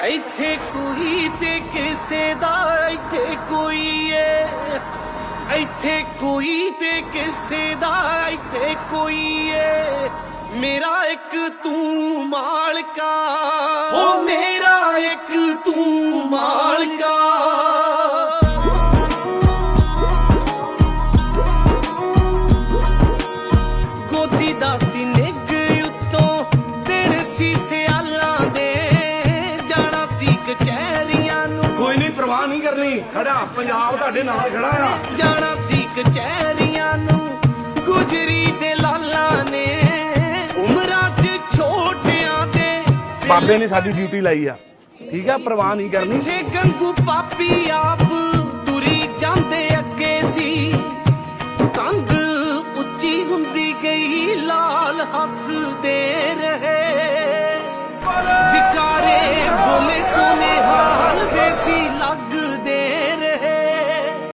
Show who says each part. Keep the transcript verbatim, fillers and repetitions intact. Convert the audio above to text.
Speaker 1: ਇੱਥੇ ਕੋਈ ਤੇ ਕਿਸੇ ਦਾ ਇੱਥੇ ਕੋਈ ਏ, ਇੱਥੇ ਕੋਈ ਤੇ ਕਿਸੇ ਦਾ ਇੱਥੇ ਕੋਈ ਏ, ਮੇਰਾ ਇੱਕ ਤੂੰ ਮਾਲਕਾ, ਓ ਮੇਰਾ ਇੱਕ ਤੂੰ ਮਾਲਕਾ। ਗੋਦੀ ਦਾ ਸੀ ਨਿੱਘ ਉੱਤੋਂ ਦਿਨ ਸੀ ਸਿਆਲਾਂ ਦੇ, ਜਾਣਾ ਸੀ ਕਚਹਿਰੀਆਂ ਨੂੰ,
Speaker 2: ਕੋਈ ਨਹੀਂ ਪਰਵਾਹ ਨਹੀਂ ਕਰਨੀ, ਖੜਾ ਪੰਜਾਬ ਤੁਹਾਡੇ ਨਾਲ ਖੜਾ ਆ।
Speaker 1: ਜਾਣਾ ਸੀ ਕਚਹਿਰੀਆਂ ਨੂੰ, ਗੁਜਰੀ ਦੇ ਲਾਲਾਂ ਨੇ ਉਮਰਾਂ 'ਚ ਛੋਟਿਆਂ ਦੇ,
Speaker 2: ਬਾਬੇ ਨੇ ਸਾਡੀ ਡਿਊਟੀ ਲਾਈ ਆ, ਠੀਕ ਆ, ਪਰਵਾਹ ਨਹੀਂ ਕਰਨੀ।
Speaker 1: ਪਿੱਛੇ ਗੰਗੂ ਪਾਪੀ ਆਪ ਤੁਰੀ ਜਾਂਦੇ ਅੱਗੇ ਸੀ, ਕੰਧ ਉੱਚੀ ਹੁੰਦੀ ਗਈ ਲਾਲ ਹੱਸਦੇ।